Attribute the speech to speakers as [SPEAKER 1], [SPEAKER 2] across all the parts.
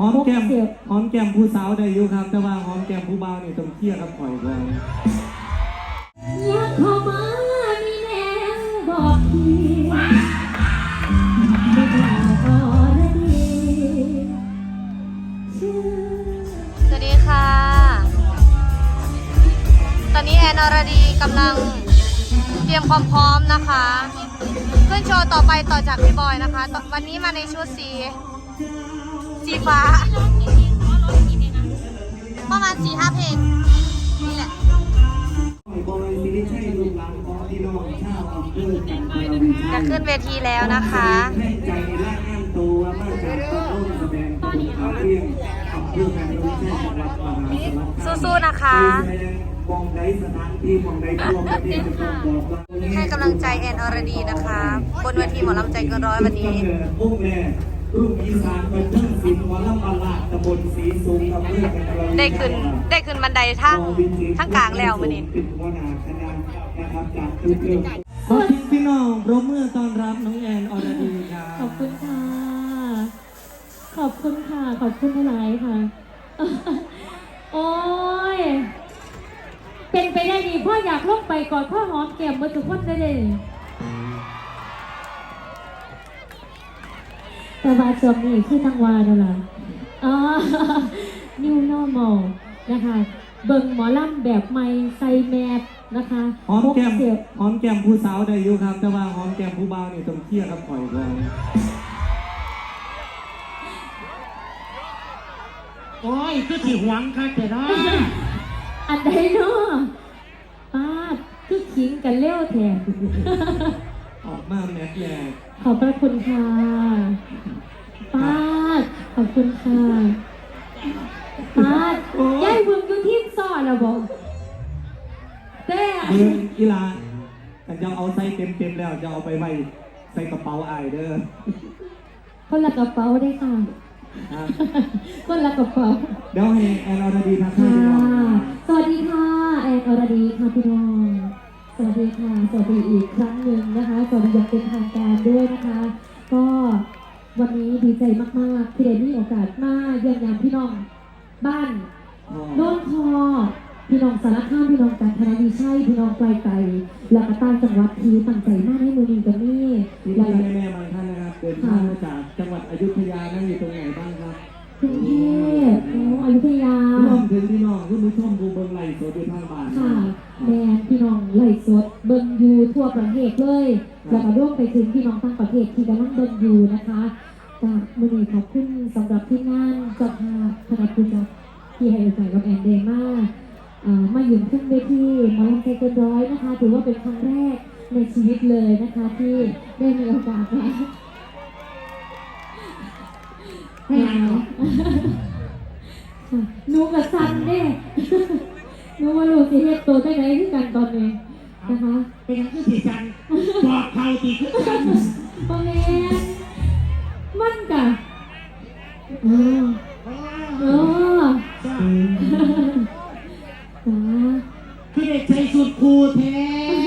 [SPEAKER 1] อมแก้มหอมแก้มผู้สาวได้อยู่ครับแต่ว่าหอมแก้มผู้บ่าวนี่ต้องเคลียร์กับข่อยก่อน
[SPEAKER 2] อยากเข้ามามีแนวบอกพี่ไม่กล้าขอได้ดี
[SPEAKER 3] สวัสดีค่ะ ตอนนี้แอนอรดีกำลังเตรียมความพร้อมนะคะขึ้นโชว์ต่อไปต่อจากพี่บอยนะคะวันนี้มาในชุดสีฟ้าประมาณ4-5 เพลงนี่แหละจะขึ้นเวทีแล้วนะคะสู้ๆนะคะให้กำลังใจแอนอรดีนะคะบนเวทีหมอลำใจเกินร้อยวันนี้ได้ขึ้นบันไดทั้งกลางแล้ววันนี้
[SPEAKER 1] ขอบคุณพี่น้องปรบมือต้อนรับน้องแอนอรดีครับ
[SPEAKER 2] ขอบคุณค่ะขอบคุณค่ะขอบคุณหลายค่ะโอ้ยเป็นไปได้ดีพ่ออยากลงไปก่อนพ่อหอมแก้มมาทุกคนได้เลยแต่ว่าช่วงนี้คือทั้งวาแล้วล่ะNew Normal นะคะเบิ่งหมอลำแบบใหม่ใส่แมสนะคะ
[SPEAKER 1] หอมแก้มผู้สาวได้อยู่ครับแต่ว่าหอมแก้มผู้บ่าวนี่ต้องเคลียร์กับข่อยก่อน
[SPEAKER 4] โอ้ยคือที่หวังค่ะแต่ละ
[SPEAKER 2] อันใดเนาะป้าคือขิงกันเลี้ยวแทน
[SPEAKER 1] ออกมาแมสแรก
[SPEAKER 2] ขอบพระคุณค่ะป้าขอบคุณค่ะป้าย่ายบึงอยู่ที่ซ่อนแล้วบอกแต่
[SPEAKER 1] บึงอีลาแต่จะเอาใส่เต็มแล้วจะเอาไปไว้ใส่กระเป๋าอายเด้อ
[SPEAKER 2] คนละกระเป๋าได้ค่ะคนละกระเป๋า
[SPEAKER 1] เดี๋ยวให้แอนอรดีทักทาย
[SPEAKER 2] สวัสดีค่ะแอนอรดีค่ะพี่น้องสวัสดีค่ะสวัสดีอีกครั้งหนึ่งนะคะสวัสดีอย่างเป็นทางการด้วยนะคะก็วันนี้ดีใจมากๆที่ได้มีโอกาสมาเยี่ยมยามพี่น้องบ้านโน่นทอพี่น้องสารคามพี่น้องกาญจนบุรีพี่น้องไกลไกลและก็ต่างจังหวัดที่ตั้งใจมากให้มือดีกันนี่
[SPEAKER 1] และแม่บางท่านนะครับเดินทางมาจากจังหวัดอยุธยานั่งอยู่ตรงไหนบ้างครับ
[SPEAKER 2] กรุงเทพอยุธยา
[SPEAKER 1] ร่วมถึงพี่น้องที่ผู้ชมดูเบิ้งไลฟ์สดอยู่ทางบ้าน
[SPEAKER 2] ค่ะแม่พี่น้องไลฟ์สดเบิ้งอยู่ทั่วประเทศเลยแล้วก็ร่วมไปถึงพี่น้องต่างประเทศที่กำลังเบิ้งอยู่นะคะจากมือดีขอบคุณสำหรับที่งานจัดหาคณะผู้จัดที่ให้โอกาสกับแอนเดม่ามาอยู่ขึ้นเวทีหมอลำใจเกินร้อยนะคะถือว่าเป็นครั้งแรกในชีวิตเลยนะคะที่ได้มีโอกาสมาหนูกับซันเนี่ยหนูมาลูกสิเฮ็ดตัวได้ไหนที่กันตอนนี้นะคะ
[SPEAKER 4] เป็นยังคือสีจันบอกเขาตีคือกัน
[SPEAKER 2] ตอนนี้มันกัน
[SPEAKER 4] คือเด็กใจสุดคูแท้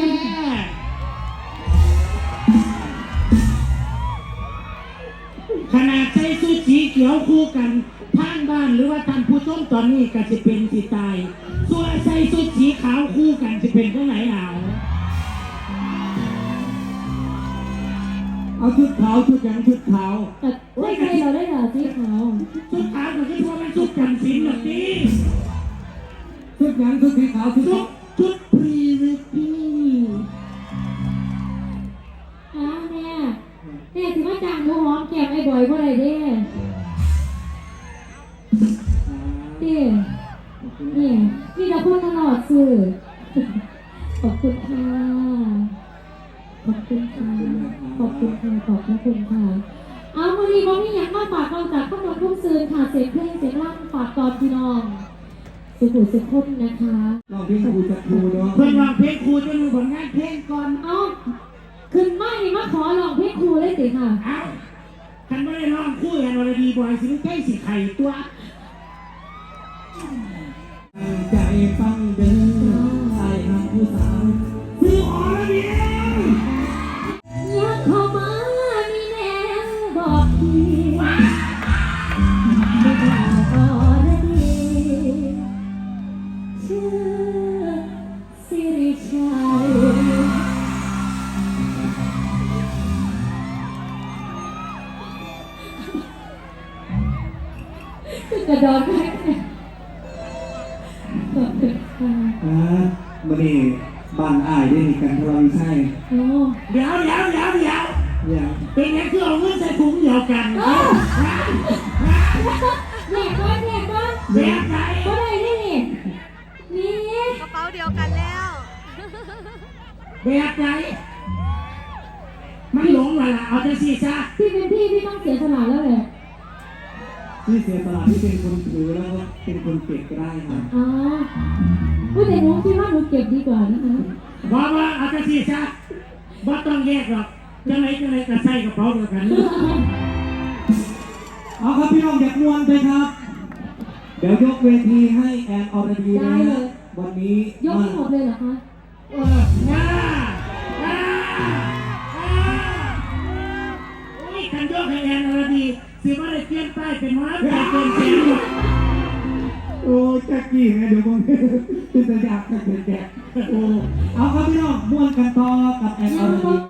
[SPEAKER 4] ขนาดใจสุดสีเขียวคู่กันทางบ้านหรือว่าท่านผู้ชมตอนนี้ก็จะเป็นสีตายส่วนใจสุดสีขาวคู่กันจะเป็นเท่าไหร่
[SPEAKER 1] เอาชุดขาวชุดยังชุดขาว
[SPEAKER 2] ได้ใครเราได้เหรอสีขาว
[SPEAKER 4] ชุดขาวก็คือว่ามันชุดจำศีลแบบนี้
[SPEAKER 1] ชุดยังชุดสีขาว
[SPEAKER 4] ชุดพรีเวดดิ้ง
[SPEAKER 2] แม่ถือว่าจ้างหนูหอมแก้มไอ้บ่อยเพราะอะไรเด้นี่เราพูดตลอดสื่อขอบคุณค่ะขอบคุณค่ะขอบคุณค่ะขอบคุณค่ะเอาวันนี้วันนี้อยากมาฝากเราจากข้าวต้มทุ่งซืนค่ะเสียงเพลงเสียงร่างฝากตอนพี่น้องสุขุสุขคนนะคะ
[SPEAKER 1] ลองเพลงครูจะครูเนาะ
[SPEAKER 4] เพื่อนลองเพลงครูจะดูผลงานเพลงก่อน
[SPEAKER 2] เอาขึ้นมานี่มาขอลองเพลงครูเลยสิค่ะ
[SPEAKER 4] เอาคันไม่ได้ลองคู่กันวันดีบอยสิใกล้สิไข่ตัว
[SPEAKER 1] ใจฟังเดินใส่หาผู้สาว
[SPEAKER 4] คืออรดี
[SPEAKER 2] อยากเข้ามามีแนวบอกพี่ไม่กล้ากระดอนแค่ขอบคุณค่ะ
[SPEAKER 1] มันนี่บ้านอ้ายได้มีกันทรวิชัย
[SPEAKER 2] โอ้
[SPEAKER 4] เดี๋ยว
[SPEAKER 1] เนี่ย
[SPEAKER 4] เป็นยังคือเอาเงินใส่ถุงเดียวกัน
[SPEAKER 2] แม่ก้อน
[SPEAKER 4] แบบไหน
[SPEAKER 2] ก็ได้นี่นี่
[SPEAKER 3] กระเป๋าเดียวกันแล้ว
[SPEAKER 4] แบบไหนมันหลงว่ะล่ะเอาจะสิซะ
[SPEAKER 2] พี่เป็นพี่ต้องเสียสละแล้วแหละ
[SPEAKER 1] ที่เสียสละที่เป็นคนถือแล้วก็เป็นคนเก็บก็ได้ครับ
[SPEAKER 2] อ๋อผู้แต่หนูคิดว่าหนูเก็บดีกว่านะคะ
[SPEAKER 4] ว่าเอาจะสิซะบ่ต้องแยกหรอกจังไหนก็ใส่กระเป๋าเดียวกัน
[SPEAKER 1] เอาครับพี่น้องอยากนวลไปครับ เดี๋ยวยกเวทีให้แอนอรดีนะวันนี้
[SPEAKER 2] ยกให้หมดเลยเหรอคะ
[SPEAKER 4] ง่าโอ้ยกันยกให้แอนอรดีสิว่าได้เปลี่ยนป้ายเป็นม้าไปเป็นแสน
[SPEAKER 1] โอ้แจ็คกี้ไงเดี๋ยวผมเป็นสัญญาณแจ็คโอ้เอาครับพี่น้องม่วนกันต่อกับแอนอรดี